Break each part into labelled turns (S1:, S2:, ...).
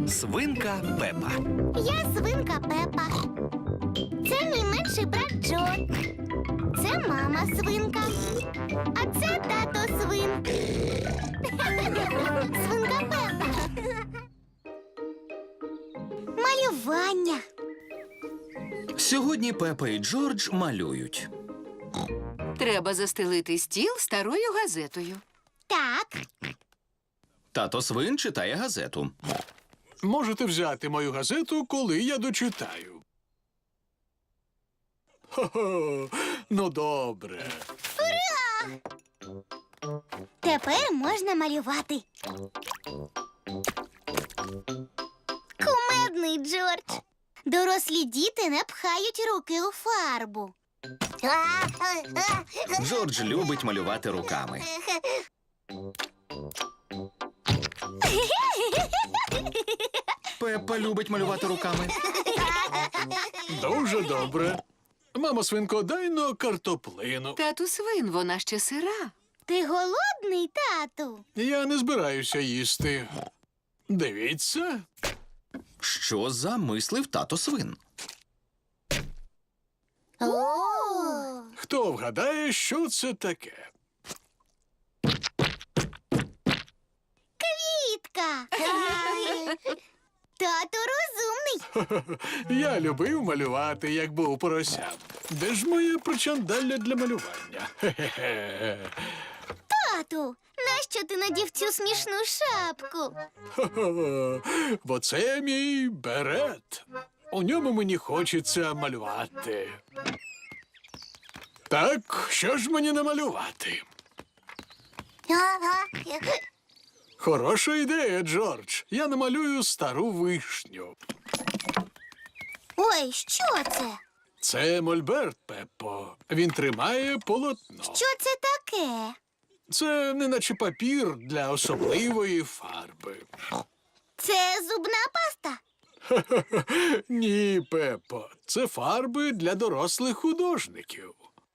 S1: Свинка Пепа.
S2: Я свинка Пепа. Це мій менший брат Джо. Це мама свинка. А це тато свин. Свинка Пепа. Малювання.
S1: Сьогодні Пепа і Джордж малюють.
S3: Треба застелити стіл старою газетою.
S2: Так.
S1: Тато свин читає газету.
S4: Можете взяти мою газету, коли я дочитаю. Хо-хо, ну добре.
S2: Тепер можна малювати. Кумедний Джордж. Дорослі діти не пхають руки у фарбу.
S1: Джордж любить малювати руками. Пепа любить малювати руками.
S4: Дуже добре. Мамо свинко, дай но картоплину.
S3: Тату свин, вона ще сира.
S2: Ти голодний, тату?
S4: Я не збираюся їсти. Дивіться.
S1: Що замислив тато свин?
S4: Хто вгадає, що це таке?
S2: Квітка. Тато розумний.
S4: Я любив малювати, як був поросям. Де ж моє причандалля для малювання? Хе-хе-хе.
S2: Тату, нащо ти надів цю смішну шапку?
S4: Хо-хо. Бо це мій берет. У ньому мені хочеться малювати. Так, що ж мені намалювати? Хороша ідея, Джордж. Я намалюю стару вишню.
S2: Ой, що це?
S4: Це мольберт, Пеппо. Він тримає полотно.
S2: Що це таке?
S4: Це неначе папір для особливої фарби.
S2: Це зубна паста.
S4: Ні, Пеппо. Це фарби для дорослих художників.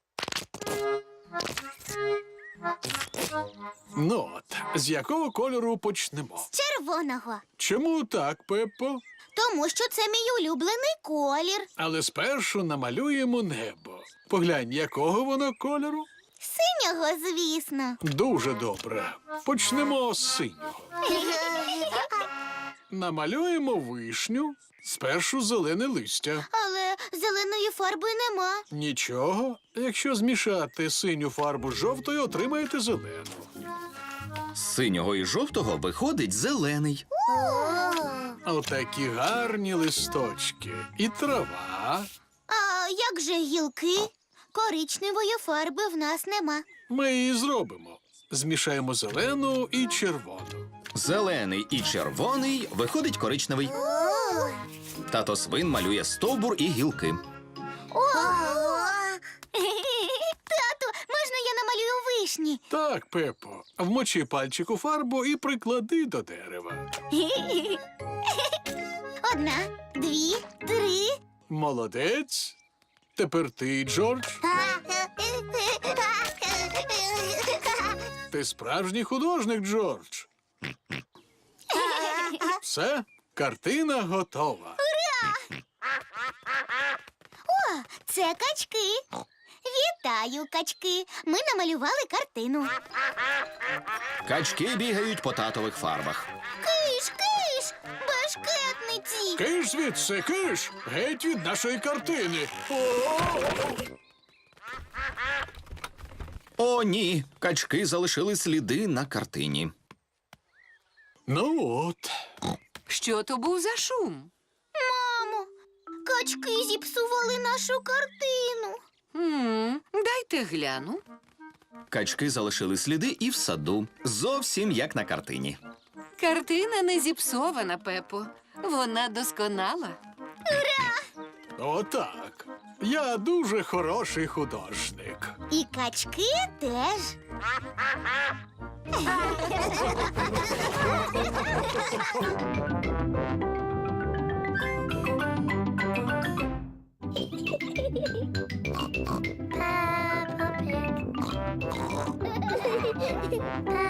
S4: Ну от, з якого кольору почнемо?
S2: Червоного.
S4: Чому так, Пеппо?
S2: Тому що це мій улюблений колір.
S4: Але спершу намалюємо небо. Поглянь, якого воно кольору?
S2: Синього, звісно.
S4: Дуже добре. Почнемо з синього. Намалюємо вишню, спершу зелене листя.
S2: Але зеленої фарби нема.
S4: Нічого. Якщо змішати синю фарбу з жовтою, отримаєте зелену.
S1: З синього і жовтого виходить зелений.
S4: Отакі гарні листочки. І трава.
S2: А як же гілки? Коричневої фарби в нас нема.
S4: Ми її зробимо. Змішаємо зелену і червону.
S1: Зелений і червоний виходить коричневий. Тато свин малює стовбур і гілки.
S2: Тату, можна я намалюю вишні?
S4: Так, Пеппо, вмочи пальчик у фарбу і приклади до дерева.
S2: Одна, дві, три.
S4: Молодець. Тепер ти, Джордж. Ти справжній художник, Джордж. Все, картина готова.
S2: О, це качки. Вітаю, качки. Ми намалювали картину.
S1: Качки бігають по татових фарбах.
S2: Киш, киш, бешкетниці.
S4: Киш звідси, киш! Геть від нашої картини.
S1: О, ні, качки залишили сліди на картині.
S4: Ну от.
S3: Що то був за шум?
S2: Мамо, качки зіпсували нашу картину.
S3: Дайте гляну.
S1: Качки залишили сліди і в саду, зовсім як на картині.
S3: Картина не зіпсована, Пепо. Вона досконала.
S4: Отак. Я дуже хороший художник.
S2: І качки теж. Peppa Pig.